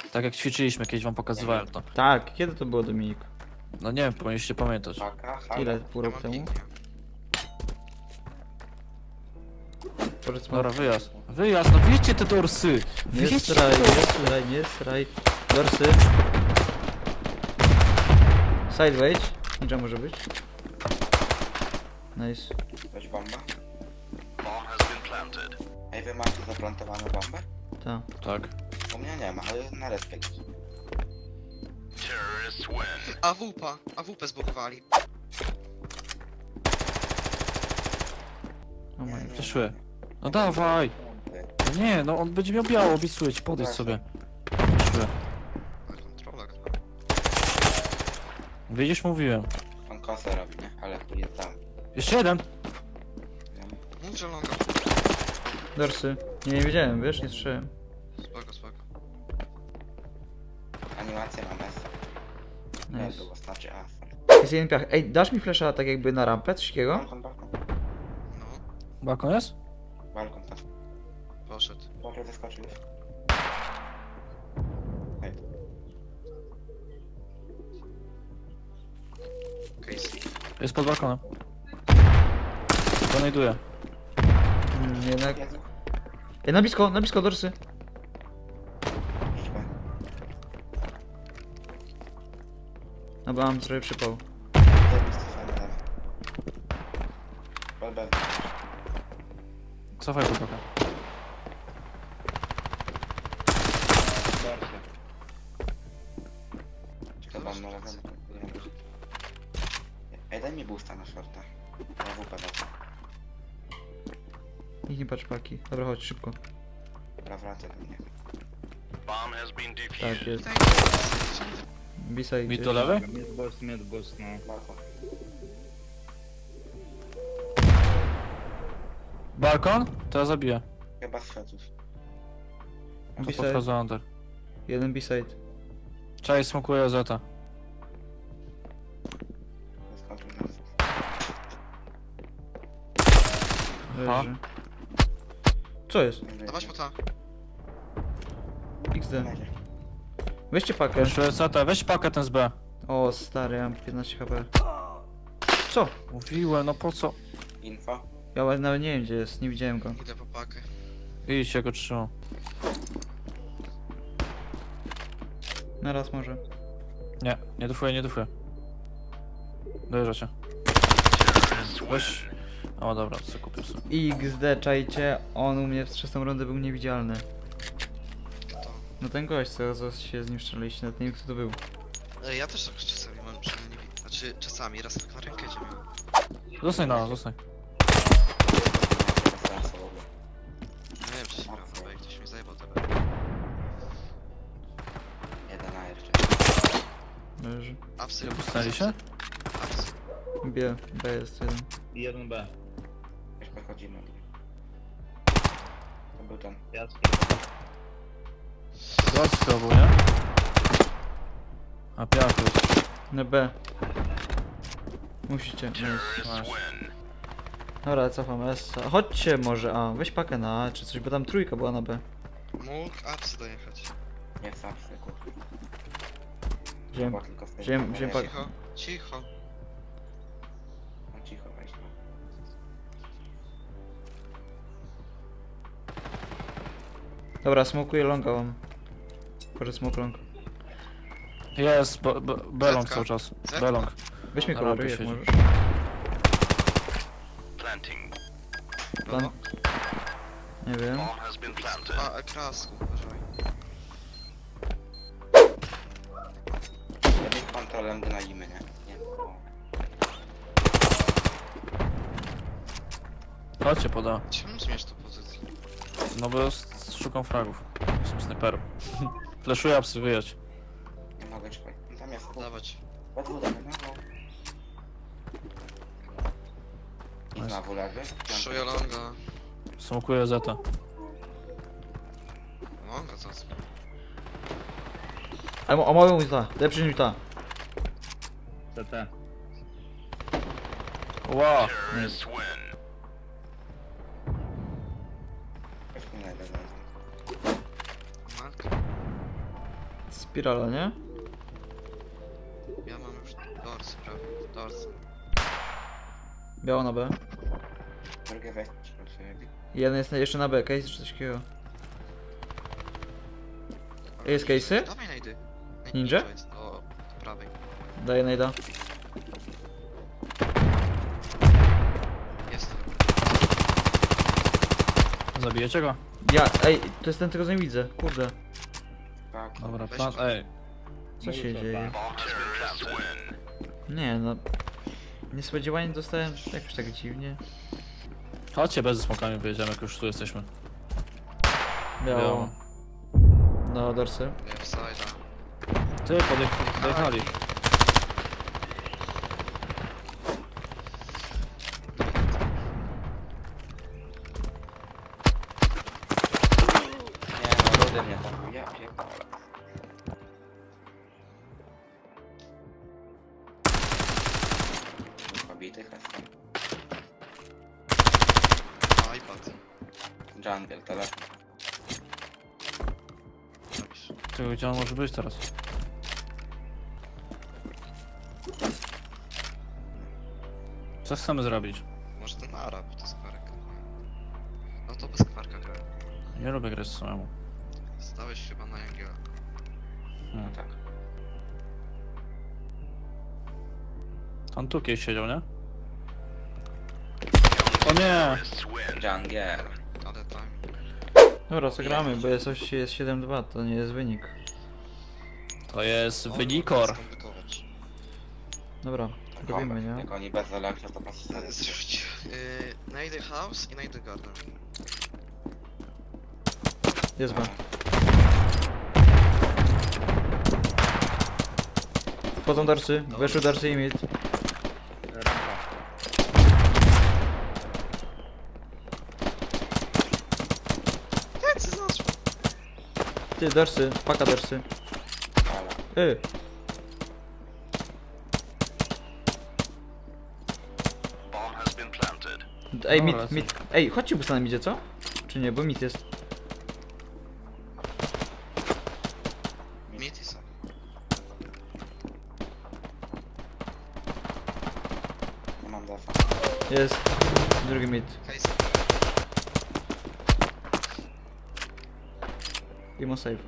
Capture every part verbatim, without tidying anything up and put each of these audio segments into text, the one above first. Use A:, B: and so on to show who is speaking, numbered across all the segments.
A: Tak jak ćwiczyliśmy, kiedyś wam pokazywałem to.
B: Tak, kiedy to było, Dominik?
A: No nie wiem, powinniście pamiętać.
C: Paka, halo.
B: Ile? Pół
D: Ja
B: roku
D: mam
B: temu?
D: ping,
B: Powiedz
A: Dobra, wyjazd. Wyjazd, no wiecie te dorsy!
B: Nie
A: Wiecie
B: sraj,
A: te
B: nie
A: dorsy!
B: sraj, nie sraj. Dorsy. Side wejdź. Ninja może być. Nice.
C: Weź bomba. Ej, wy macie zaplantowaną bombę?
B: Ta.
A: Tak.
C: U mnie nie ma, ale na respekt.
D: A W P, A W P zbugowali.
B: O my.
A: Przeszły. No dawaj! No nie, no on będzie miał biało, obiecuję ci, podejdź sobie. Przeszły.
D: Na kontrolach.
A: Widzisz, mówiłem.
C: On kosę robi, nie? Ale tu jest tam.
A: Jeszcze jeden!
D: Mów, że longa.
B: Dorsy. Nie, nie wiedziałem, wiesz, nie słyszałem.
D: Spoko, spoko.
C: Animację mam S. Nie
B: Nice.
C: było, znaczy A.
B: Jest jeden piach. Ej, dasz mi flesza tak jakby na rampę, coś takiego?
C: Balkon, balkon.
D: No,
A: Balkon jest?
C: Balkon tam.
D: poszedł.
C: Może zeskoczył już. Hej.
D: Casey.
A: Jest pod balkonem. Donajduję.
B: Mm, jednak...
C: Jezu.
B: Ej, na blisko, na blisko, dorsy.
C: Idźmy.
B: No bo mam trochę przypał.
C: Zajebisty fajny. Bel, bel.
A: Cofaj pod balkon.
C: Czekaj, bo może wiem. Ej, daj mi boosta na shorta. Ja W P dać.
B: Nikt nie patrzy paki. Dobra, chodź, szybko.
C: Dobra, wracaj do mnie.
B: Tak, jest. B-side.
A: Mi to lewy?
E: Mid boss, mid boss, no.
C: Balkon.
A: Balkon? To ja zabiję.
C: Chyba z światów.
A: To
B: B-side.
A: podchodzę under.
B: Jeden B-side.
A: Czaj, smokuję Zeta.
C: Zeskoczył nas.
A: Aha.
B: Leży. Co jest?
D: Dawać mu ta.
B: X D. Weźcie pakę.
A: Jeszcze Zeta, weź pakę ten z B.
B: O, stary, ja mam piętnaście H P. Co?
A: Mówiłem, no po co?
C: Info.
B: Ja nawet nie wiem gdzie jest, nie widziałem go.
D: Idę po pakę.
A: Idź, ja go trzymam.
B: Na raz może.
A: Nie, nie dufuję, nie dufuję. Dojeżdża cię. Weź... O dobra, co kupię sobie.
B: X D, czajcie, on u mnie w trzecią rundę był niewidzialny.
D: Kto?
B: No ten gość, co, co się z nim strzeliliście, nawet nie wiem kto to był.
D: Ej, ja też tak czasami mam, przynajmniej nie widzę. Znaczy, czasami, raz tak na rękę miałem.
A: Zostań na nas, zostań.
D: Nie wiem, czy się gram na B, ktoś mi zajebał tebe.
C: Jeden A jeszcze.
B: Leży.
D: Apsy.
A: Nie postali się?
D: Apsy.
B: B, B jest jeden.
E: I jeden B.
C: Już podchodzimy. To był ten.
E: Jasny.
A: Zobaczcie to był, nie? A piach jest.
B: Na B. Musicie. Nice.
A: Masz.
B: Dobra, cofam S. Chodźcie może A, weź pakę na A czy coś, bo tam trójka była na B.
D: Mógł apsy dojechać.
C: Nie sam sekund.
B: Wziąłem,
C: Chyba tylko w tej
B: wziąłem,
C: kamerze.
B: wziąłem pakę.
D: Cicho, cicho.
C: No cicho, weź no.
B: Dobra, smokuję longa wam. Proszę smoke long.
A: Jest, b- b- belong
D: Zetka.
A: cały czas.
D: Zetka.
A: Belong.
B: Weź mnie
A: Na
B: koloruj
A: rampie
B: jak
A: siedzi.
B: możesz.
D: No,
B: Plan... Nie wiem.
D: a, krasku, uważaj.
C: Jakimś kontrolem gnalimy, nie? Nie. O.
A: Chodźcie poda.
D: Czemu zmieniasz tą pozycję?
A: No bo s- szukam fragów. Jestem snajperem. Fleszuję apsy, wyjedź.
C: Nie mogę czekać. No tam jest.
D: Dawać.
C: We dwóch damy, no. no. I
A: Nice.
C: znowu lewy.
D: Szuję longa.
A: Smokuję Zeta.
D: Longa co?
B: Ale o moją ta, lepszy niż ta.
E: C T.
A: Wow.
B: Nice.
C: Weźmy na jeden.
D: Mark.
B: Spirala, nie?
D: Ja mam już dorsy prawie. Dorsy.
B: Biało na B.
C: Drugie weź, proszę.
B: Jeden jest na- jeszcze na B, case czy coś takiego. Jest case'y?
D: Dawaj najdy.
B: Ninja?
D: jest do, do prawej.
B: Daję najda.
D: Jest.
A: Zabijecie go?
B: Ja, ej, to jest ten, tego nie widzę. Kurde.
C: Tak.
A: Dobra,
D: Weź
A: plan...
D: go.
A: Ej.
B: Co się
E: Mów,
B: dzieje? Nie no. Niespodziewanie dostałem jakoś tak dziwnie.
A: Chodźcie, bez smokami wyjedziemy, jak już tu jesteśmy.
B: Biało.
A: Biało.
B: No, dorsy.
D: Left side.
A: Ty, podjech- podjechali.
C: Nie no, ludy mnie tam. Ja pierdolę. Pobitych jestem.
D: iPad.
C: Jungle, telefon.
D: Robisz.
A: Ty, gdzie on może być teraz? Co chcemy zrobić?
D: Może ten Arab to skwarek. No to bez skwarka gra.
A: Nie lubię grać samemu.
D: Stałeś chyba na Jangiela.
A: Hmm.
C: Tak.
A: On tu kiedyś siedział, nie? O nie!
C: Jungle.
D: Ale time.
B: Dobra, co gramy, bo jest, oś- jest siedem dwa, to nie jest wynik.
A: To jest
D: O,
A: wynikor.
D: mogę skomplikować.
B: Dobra, robimy, nie?
C: Jak oni bez elektra to pas
D: E, Zrzuć. Yy, najdę house i najdę garden.
B: Jest B. Wchodzą dorsy, weszły dorsy i mid.
E: Rampa.
D: Plecy zaszło.
B: Ty, dorsy, paka dorsy.
C: Ale.
B: Y. Ej,
A: Dobra,
B: mid,
A: co?
B: mid. Ej, chodźcie busta na midzie, co? Czy nie, bo mid jest.
D: Mid i są.
C: Nie mam defa.
B: Jest. Drugi mid.
D: Case.
B: Imo save.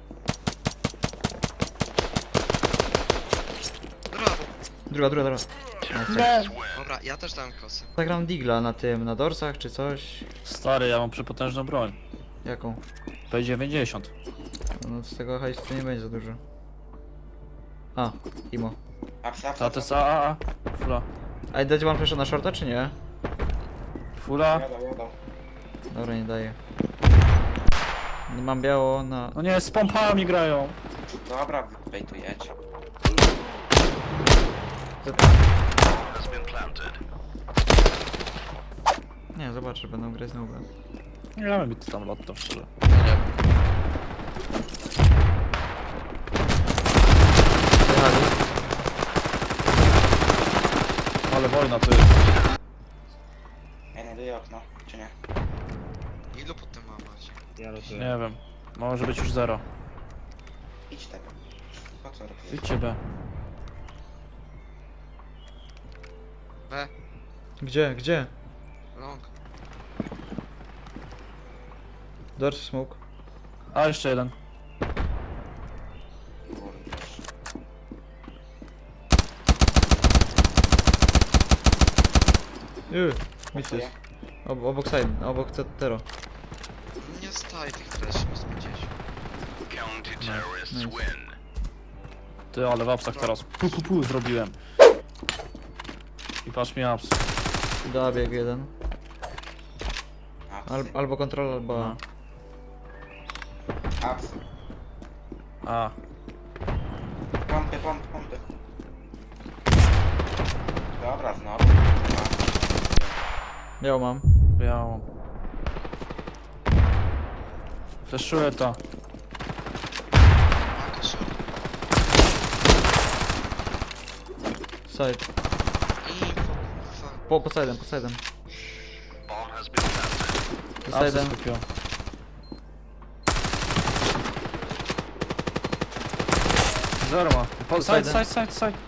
D: Brawo.
B: Druga, druga, druga. Nice.
D: Dobra, ja też dałem kosy.
B: Zagram digla na tym, na dorsach czy coś.
A: Stary, ja mam przepotężną broń.
B: Jaką?
A: P dziewięćdziesiąt.
B: No z tego hajsu to nie będzie za dużo. A, Imo.
C: Ups, ups,
A: Ta
C: ups,
A: to jest
C: ups.
A: A, A, A. Fula.
B: A dać wam flasha na shorta czy nie?
A: Fula.
C: Jadą, jadą.
B: Dobra, nie daję. No mam biało na...
A: No nie, z pompami grają.
C: Dobra, bejtujecie.
B: Nie, zobaczę, będą grać znowu.
A: Nie mamy mi to tam lotto, szczerze.
B: Wyjechali.
A: Ale wojna to jest.
C: Ja nie daję okno, czy nie?
D: Ilu potem ma macie?
E: Ja rotuję.
A: Nie wiem. Może być już zero.
C: Idź tego. Po co robisz?
A: Idźcie B.
D: B.
B: Gdzie, gdzie?
D: Long.
B: Dorsy smoke.
A: A, jeszcze jeden.
C: Kurde.
B: Yy, mid jest. Ob obok side, obok Tero.
D: Nie staj tych flash, nie spędziłeś.
B: Nice.
A: Ty, ale w apsach teraz. Pu, pu, pu zrobiłem. I patrz mi apsy.
B: Da bieg jeden. Al
C: Apsy.
B: albo kontrol, albo...
A: No.
C: Apsy.
A: A.
C: Pompy, pompy, pompy. Dobra, znowu.
B: Biało mam.
A: Białą. Fleszuję to.
D: Maka short.
B: Side.
D: Info. Fuck.
B: Po, po side'em, po side'em. Po
A: Apsy
B: side'em.
A: skupiłem. Zero ma. Po, side,
B: Side.
A: side, side, side.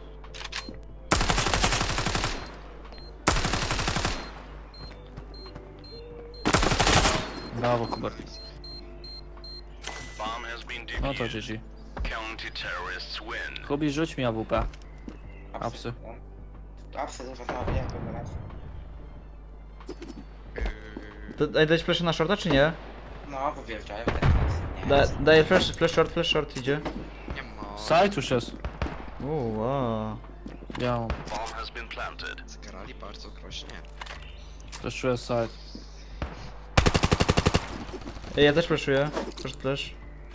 A: Brawo, Hubert. No to G G. Hubi, rzuć mi A W P. Apsy.
C: Apsy to no wiem, to raz.
B: To daj, dać flash na shorta czy nie?
C: No, bo wjeżdżają teraz. Nie,
B: Da, daję flash, flash short, flash short idzie.
D: Nie ma.
A: Side już jest.
B: Uuu, wow.
A: Ja mam.
D: Zgrali bardzo groźnie.
A: Też czuję side.
B: Ej, ja też flashuję. Flash, flash.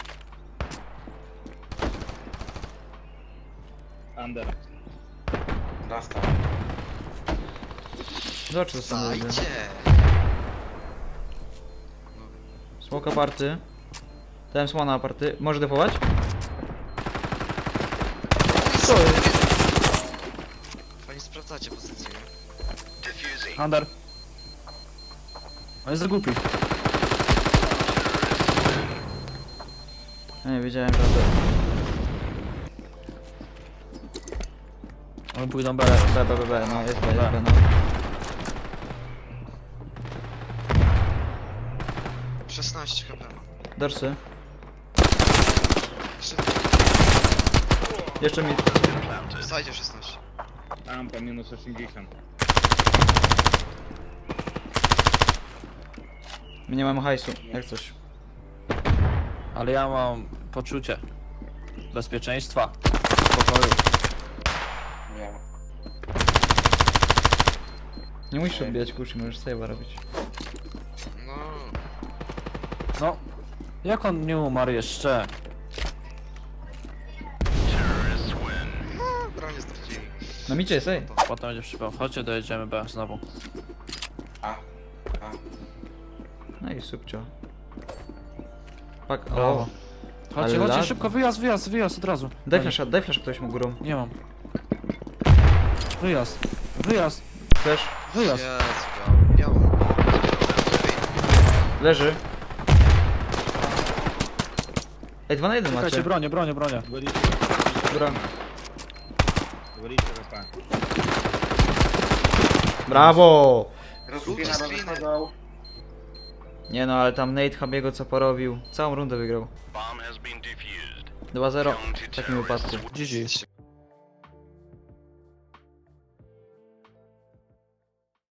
E: Under.
C: dostał.
B: Zobacz co sam robię.
D: Zajdzie!
B: Smoke aparty. Dałem słona aparty. Może defować? Co jest?
D: Fajnie sprawdzacie pozycję, nie?
A: Under. On jest za głupi.
B: Ja nie wiedziałem, że to...
A: Oni pójdą B.
B: B, B, B, B, no jest B, jest B, no.
D: szesnaście H P ma.
B: Dorsy.
D: Jeszcze
B: Jeszcze mi...
D: zajdzie szesnaście.
E: Rampa minus osiemdziesiąt.
B: My nie mamy hajsu, jak coś.
A: Ale ja mam poczucie bezpieczeństwa, spokoju.
C: Nie.
B: Nie musisz odbijać kuszy, możesz save'a robić.
D: No,
A: No, jak on nie umarł jeszcze?
D: no bronie stracili.
B: No micie jest, ej.
A: Potem będzie przypał. Chodźcie, dojedziemy B znowu.
C: A. A.
B: No i subcio. Pak,
A: Brawo.
B: o.
A: Chodźcie,
B: Ale
A: chodźcie,
B: lat-
A: szybko, wyjazd, wyjazd, wyjazd od razu.
B: Daj
A: Oni-
B: flasha, daj flasha ktoś mu górą.
A: Nie mam. Wyjazd, wyjazd,
B: Flash.
A: wyjazd.
D: Jezu, biało, biało.
B: Leży. Ej, dwa na jeden
A: Czekajcie,
B: macie.
A: bronię, bronię, bronię.
E: Говорите.
B: Dobra.
E: Говорите РП.
B: Brawo!
C: Rozpina do
D: Spiny.
C: wychodzą.
B: Nie no, ale tam Nate Habiego co porobił. Całą rundę wygrał. dwa zero w takim wypadku.
A: G G.